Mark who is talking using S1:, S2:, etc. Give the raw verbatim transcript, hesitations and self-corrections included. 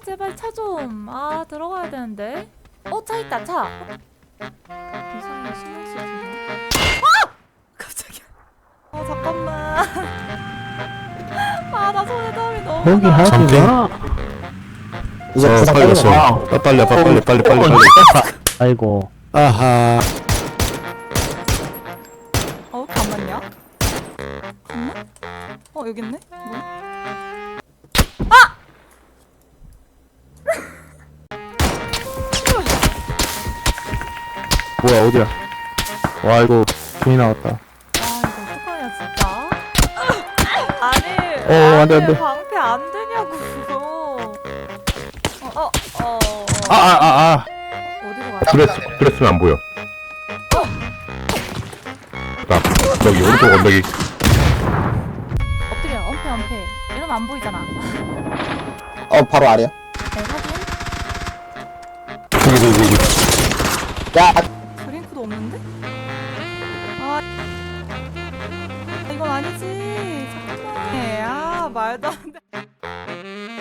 S1: 제발 차 좀. 아 들어가야 되는데. 어 차 있다 차. 이상해 신경 쓰지. 아! 깜짝이야. 어 잠깐만. 아 나 손에 땀이 너무
S2: 거기
S1: 나.
S2: 하지 마.
S3: 이제
S4: 어
S3: 부상
S4: 살렸어.
S3: 빨리 와.
S4: 아, 빨리 빨리 빨리 빨리 빨리 빨리.
S2: 아이고.
S4: 아하.
S1: 어 이렇게 안 맞냐? 갔나? 어 여기 있네. 뭐야?
S2: 뭐야 어디야? 와 이거 괜히 나왔다.
S1: 아 이거 어떡하냐 진짜. 아니.
S2: 어, 안 돼, 안
S1: 아니,
S2: 돼.
S1: 방패 안 되냐고. 어어 어.
S2: 아 아 아 아.
S1: 어디로 가야
S4: 그랬 그랬으면 안 보여. 나 저기 오른쪽 언덕이.
S1: 엎드려 엄폐 엄폐 이러면 안 보이잖아.
S3: 어 바로 아래야.
S1: 네 확인.
S4: 저기 저기 저기.
S3: 야
S1: 드링크도 없는데? 아 이건 아니지. 잠깐만. 아 말도 안 돼.